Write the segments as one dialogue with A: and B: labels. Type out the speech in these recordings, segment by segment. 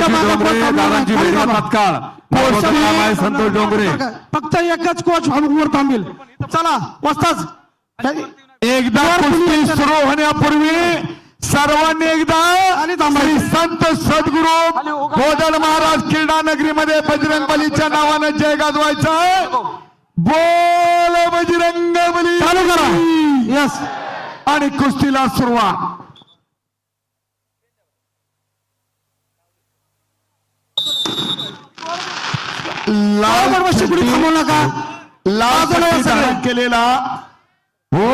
A: संतोष डोंगरे
B: फक्त एकच कोच वर थांबेल. चला वाजताच
A: एकदा कुस्ती सुरू होण्यापूर्वी सर्वांनी एकदा श्री संत सद्गुरू गोदड महाराज क्रीडा नगरीमध्ये बजरंग बलीच्या नावानं जय गाजवायचा आहे. बोल बजरंग बली.
B: चालू करा. यस.
A: आणि कुस्तीला सुरुवात.
B: थांबू नका.
A: लाल केलेला हो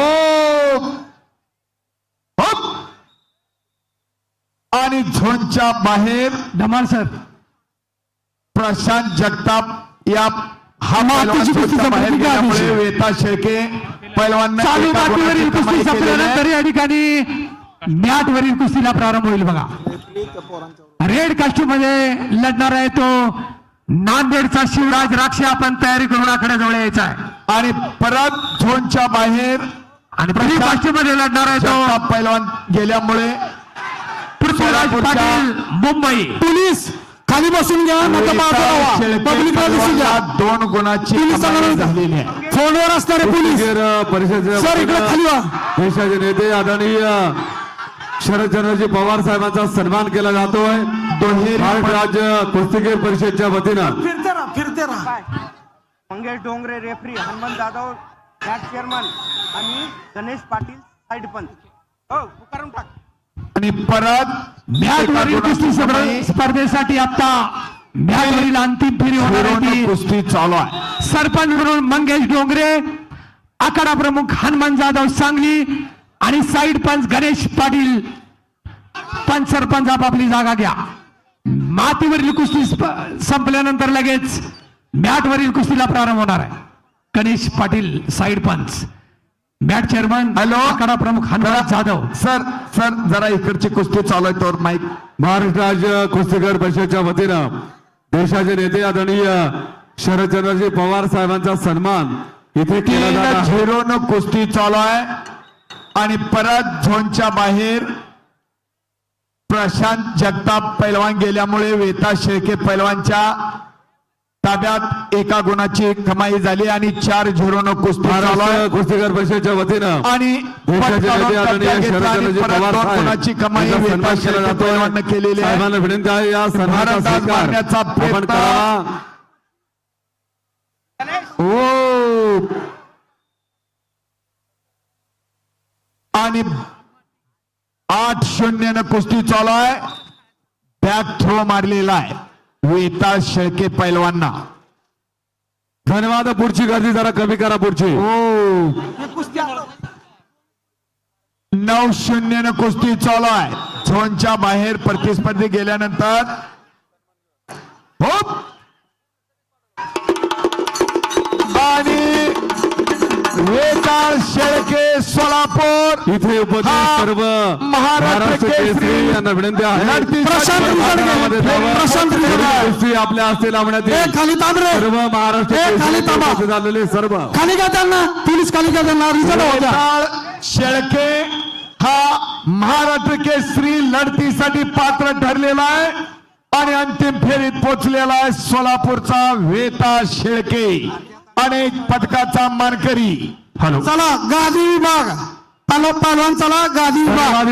A: आणि झोनच्या बाहेर
B: धमाल सर
A: प्रशांत जगताप या बाहेर गेल्यामुळे वेता शेळके पैलवान
B: चालू बाटीवरील कुस्ती संपल्यानंतर या ठिकाणी मॅट वरील कुस्तीला प्रारंभ होईल. बघा रेड कास्ट्यूम मध्ये लढणार आहे तो नांदेडचा शिवराज राक्षे. आपण तयारी करून आकडे जवळ यायचा आहे.
A: आणि परत झोनच्या बाहेर
B: आणि ब्लू कास्ट्यूम मध्ये लढणार आहे तो
A: पैलवान गेल्यामुळे
B: पृथ्वीराज पाटील मुंबई. पोलीस खाली बसून घ्या.
A: दोन गुणाची झालेली आहे.
B: फोनवर असणारे पोलीस
C: परिषद
B: सर इकडे खाली वा.
C: देशाचे नेते आदरणीय शरदचंद्रजी पवार साहेबांचा सन्मान केला जातोय. महाराष्ट्र राज्य कुस्तीगीर परिषदच्या वतीनं
B: फिरते राहा.
D: Mangesh Dongre referee, Hanuman Jadhav match chairman आणि गणेश पाटील साइड पंच. हो पुकारून टाक.
A: आणि परत
B: मॅट वरील कुस्ती स्पर्धेसाठी आता मॅट वरील अंतिम फेरी होणार आहे.
A: कुस्ती चालू आहे.
B: सरपंच म्हणून मंगेश डोंगरे, आखाडा प्रमुख हनुमान जाधव सांगली आणि साइड पंच गणेश पाटील. पंच सरपंच आपापली जागा घ्या. मातीवरील कुस्ती संपल्यानंतर लगेच मॅट वरील कुस्तीला प्रारंभ होणार आहे. गणेश पाटील साइड पंच, मॅट चेअरमन
A: हॅलो
B: आखाडा प्रमुख हनुमान जाधव.
A: सर जरा इकडची कुस्ती चालू आहे तर माईक.
C: महाराष्ट्र राज्य कुस्तीगीर परिषदच्या वतीनं देशाचे नेते आदरणीय शरदचंद्रजी पवार साहेबांचा सन्मान इथे केला जात आहे.
A: 0 कुस्ती चालू आहे. आणि परत झोनच्या बाहेर प्रशांत जगताप पैलवान गेल्यामुळे वेता शेळके पैलवानच्या ताब्यात एका गुणाची कमाई झाली आणि 4-0 कुस्ती चालू आहे.
C: कुस्तीगीर परिषदच्या वतीनं
A: आणि
C: देशाचे नेते आदरणीय शरदचंद्रजी पवार
A: गुणाची कमाई वेता शेळके पैलवान केलेली आहे.
C: साहेबांना विनंती आहे या सन्मानाचा स्वीकार आपण करावा.
A: हो आणि 8-0 कुस्ती चालू आहे. बॅक थ्रो मारलेला आहे वेता शेळके पैलवांना.
C: धन्यवाद. पुढची गर्दी जरा कमी करा. पुढची
A: 9-0 कुस्ती चालू आहे. झोनच्या बाहेर प्रतिस्पर्धी गेल्यानंतर हो आणि वेता शेळके सोलापूर
C: इथे उपस्थित सर्व
A: महाराष्ट्र केसरी
C: यांना विनंती आहे कुस्ती आपल्या हस्ते लावण्यात येईल.
B: खाली तांबरे
C: सर्व महाराष्ट्र झालेले सर्व
B: खाली घ्या त्यांना. पोलीस खाली घ्या त्यांना.
A: वेताळ शेळके हा महाराष्ट्र केसरी लढतीसाठी पात्र ठरलेला आहे आणि अंतिम फेरीत पोहोचलेला आहे. सोलापूरचा वेता शेळके अनेक पदकाचा मानकरी.
C: हॅलो
B: चला गादी विभाग पहलवान. चला गादी विभाग.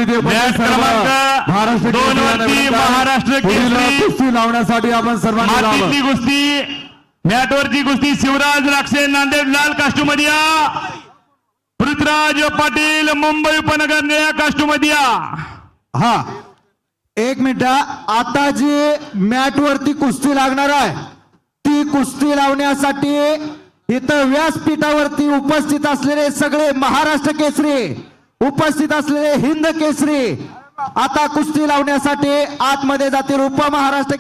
C: महाराष्ट्र कुस्ती लावण्यासाठी आपण सर्वांनी
E: कुस्ती मॅटवरची कुस्ती शिवराज राक्षे नांदेड लाल कास्ट्यूम मध्ये या. पृथ्वीराज पाटील मुंबई उपनगर निळ्या कास्ट्यूम मध्ये या.
F: हा 1 मिनिट. आता जी मॅट वरती कुस्ती लागणार आहे ती कुस्ती लावण्यासाठी इथं व्यासपीठावरती उपस्थित असलेले सगळे महाराष्ट्र केसरी, उपस्थित असलेले हिंद केसरी आता कुस्ती लावण्यासाठी आतमध्ये जातील. उपमहाराष्ट्र